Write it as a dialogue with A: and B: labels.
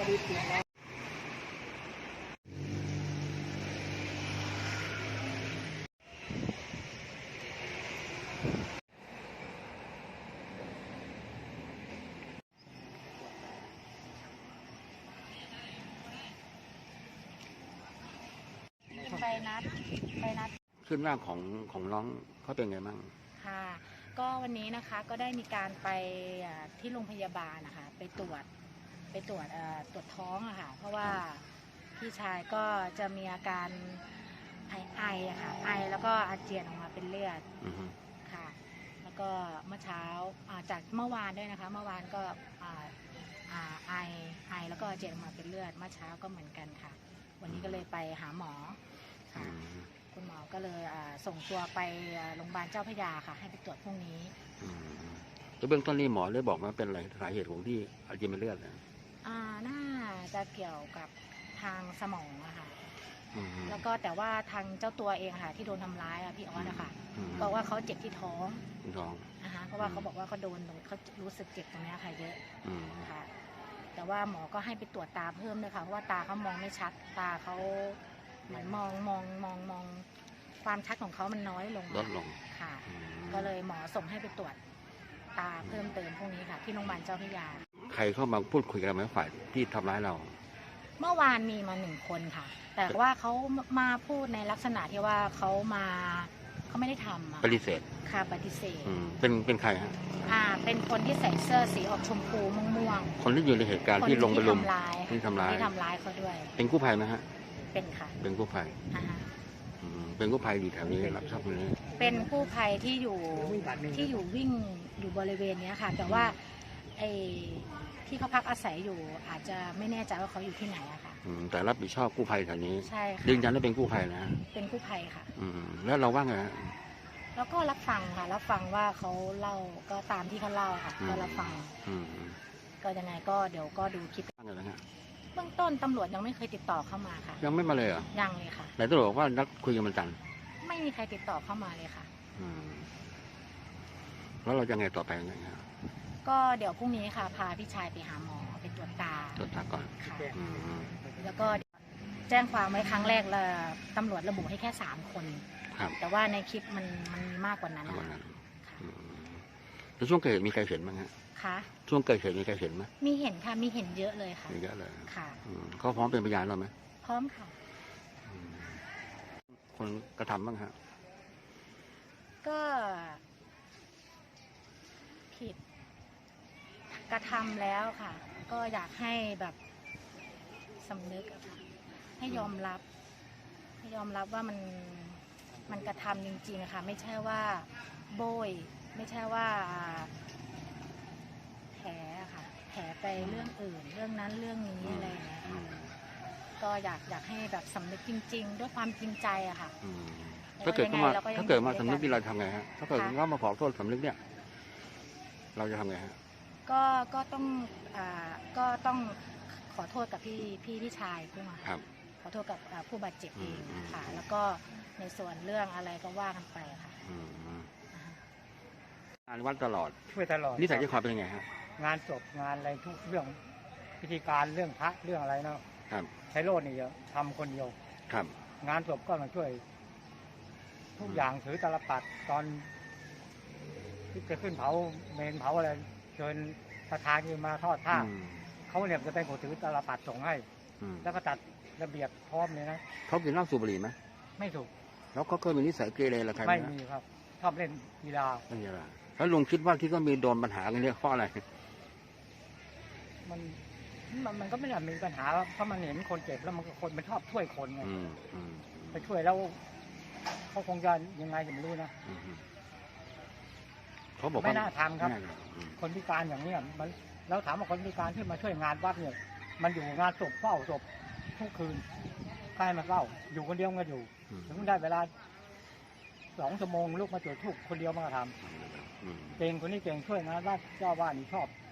A: ไปนัด
B: ขึ้นหน้าของน้องเขาเป็นไงบ้าง
A: ค่ะก็วันนี้นะคะก็ได้มีการไปที่โรงพยาบาลนะคะไปตรวจท้องอะค่ะเพราะว่าพี่ชายก็จะมีอาการไออะค่ะไอแล้วก็อาเจียนออกมาเป็นเลือดค่ะแล้วก็เมื่อเช้าจากเมื่อวานด้วยนะคะเมื่อวานก็ไอแล้วก็อาเจียนออกมาเป็นเลือดเมื่อเช้าก็เหมือนกันค่ะวันนี้ก็เลยไปหาหมอค่ะคุณหมอก็เลยส่งตัวไปโรงพยาบาลเจ้าพระยาค่ะให้ไปตรวจพรุ่งนี้
B: แล้วเบื้องต้นนี่หมอได้บอกว่าเป็นอะไรสาเหตุของที่อาเจียนเป็นเลือด
A: น่าจะเกี่ยวกับทางสมองอะค่ะแล้วก็แต่ว่าทางเจ้าตัวเองค่ะที่โดนทำร้ายพี่ออสอะค่ะบอกว่าเขาเจ็บที่ท้องนะคะเพราะว่าเขาบอกว่าเขาโดนเขารู้สึกเจ็บตรงนี้ค่ะเยอะค่ะแต่ว่าหมอก็ให้ไปตรวจตาเพิ่มด้วยค่ะเพราะว่าตาเขามองไม่ชัดตาเขาเหมือนมองความชัดของเขามันน้อยลงค่ะก็เลยหมอส่งให้ไปตรวจตาเพิ่มเติมพวกนี้ค่ะที่โรงพยาบาลเจ้าพระยา
B: ใครเข้ามาพูดคุยกันไหมฝ่ายที่ทำร้ายเรา
A: เมื่อวานมีมา1 คนค่ะแต่ว่าเขามาพูดในลักษณะที่ว่าเขาไม่ได้ทำ
B: ปฏิเสธ
A: ค่ะปฏิเสธ
B: เป็นใครฮะ
A: เป็นคนที่ใส่เสื้อสีออกชมพูม่วง
B: คนที่อยู่ในเหตุการณ์ที่ลงไปลุมที่ทำร้ายเขาด้วย
A: เป็น
B: กู้ภัยไหมฮะ
A: เป็นค่ะ
B: เป็นกู้ภัยเป็นกู้ภัยอยู่แถวนี้รับทราบนี้
A: เป็นกู้ภัยที่อยู่วิ่งอยู่บริเวณนี้ค่ะแต่ว่าที่เขาพักอาศัยอยู่อาจจะไม่แน่ใจว่าเขาอยู่ที่ไหนอะค่ะ
B: แต่รับผิดชอบกู้ภัยแถวนี้
A: ใช่ค่ะ
B: ยืนยันว่าเป็นกู้ภัยนะ
A: เป็นกู้ภัยค่ะ
B: แล้วเราว่าไง
A: แล้วก็รับฟังค่ะรับฟังว่าเขาเล่าก็ตามที่เขาเล่าค่ะก็รับฟังก็ยังไงก็เดี๋ยวก็ดูคลิปเบื้องต้นตำรวจยังไม่เคยติดต่อเข้ามาค่ะ
B: ยังไม่มาเลยเหรอ
A: ยังเลยค่ะ
B: ไหนตำรวจบอกว่านัดคุยกันวันจันทร์
A: ไม่มีใครติดต่อเข้ามาเลยค่ะ
B: แล้วเราจะไงต่อไปยังไงครับ
A: ก็เดี๋ยวพรุ่งนี้ค่ะพาพี่ชายไปหาหมอไปตรวจตา
B: ก่อน
A: ค่ะแล้วก็แจ้งความไว้ครั้งแรกแล้วตำรวจระบุให้แค่3 คนแต่ว่าในคลิปมันมีมากกว่านั้น
B: แล้วช่วงเกิดเหตุมีใครเห็นบ้างฮะ
A: คะ
B: ช่วงเกิดเหตุมีใครเห็นไหม
A: มีเห็นค่ะมีเห็นเยอะเลยค่ะ
B: เยอะเลย
A: ค่ะ
B: เขาพร้อมเป็นพยานเราไหม
A: พร้อมค่ะ
B: คนกระทำบ้างฮะ
A: ก็ผิดกระทำแล้วค่ะก็อยากให้แบบสำนึกอะค่ะให้ยอมรับว่ามันกระทำจริงๆนะคะไม่ใช่ว่าโบยไม่ใช่ว่าแผลไปเรื่องอื่นเรื่องนั้นเรื่องนี้อะไรอย่างเงี้ยค่ะก็อยากให้แบบสำนึกจริงๆด้วยความจริงใจอะค่ะ
B: ถ้าเกิดมาสำนึกนี่เราทำไงฮะถ้าเกิดว่ามาขอโทษสำนึกเนี่ยเราจะทำไงฮะ
A: ก็ต้องขอโทษกับพี่ชายขึ้นมาขอโทษกับผู้บาดเจ็บเองค่ะแล้วก็ในส่วนเรื่องอะไรก็ว่ากันไปค่ะ
B: งานวัดตลอด
C: ช่วยตลอด
B: นิสัยใจคอเป็นยังไงฮะ
C: งานศพงานอะไรทุกเรื่องพิธีการเรื่องพระเรื่องอะไรเนาะใช้โลดนี่เยอะทำคนเดียวงานศพก็มาช่วยทุกอย่างถือตลปัดตอนที่จะขึ้นเผาเมนเผาอะไรเชิญประธานมาทอดผ้าเขาเนี่ยจะเป็นคนถือตลปัดส่งให้แล้วก็ตัดระเบียบพร้อมเลยนะ
B: เขากินเหล้าสูบบุหรี่ไหม
C: ไม่ถูก
B: แล้วเขาเคยมีนิสัยเกเรอะไรใคร
C: ไม่มีครับชอบเล่นกีฬา
B: แล้วลุงคิดว่าที่ก็มีโดนปัญหากันเนี่ยเพราะอะไร
C: มันก็ไม่ได้มีปัญหาเพราะมันเห็นคนเจ็บแล้วมันชอบช่วยคนไงไปช่วยแล้วเขาคงจะยังไงไม่รู้นะ
B: เขาบอก
C: ไม่น่าทำครับคนพิการอย่างนี้มันแล้วถามว่าคนพิการที่มาช่วยงานวัดเนี่ยมันอยู่งานศพเฝ้าศพทุกคืนใครมาเฝ้าอยู่คนเดียวก็อยู่ถึงได้เวลา2 ชั่วโมงลูกมาจุดธูปคนเดียวมาทำเก่งคนนี้เก่งช่วยงานวัดเจ้าบ้านนี่ชอบ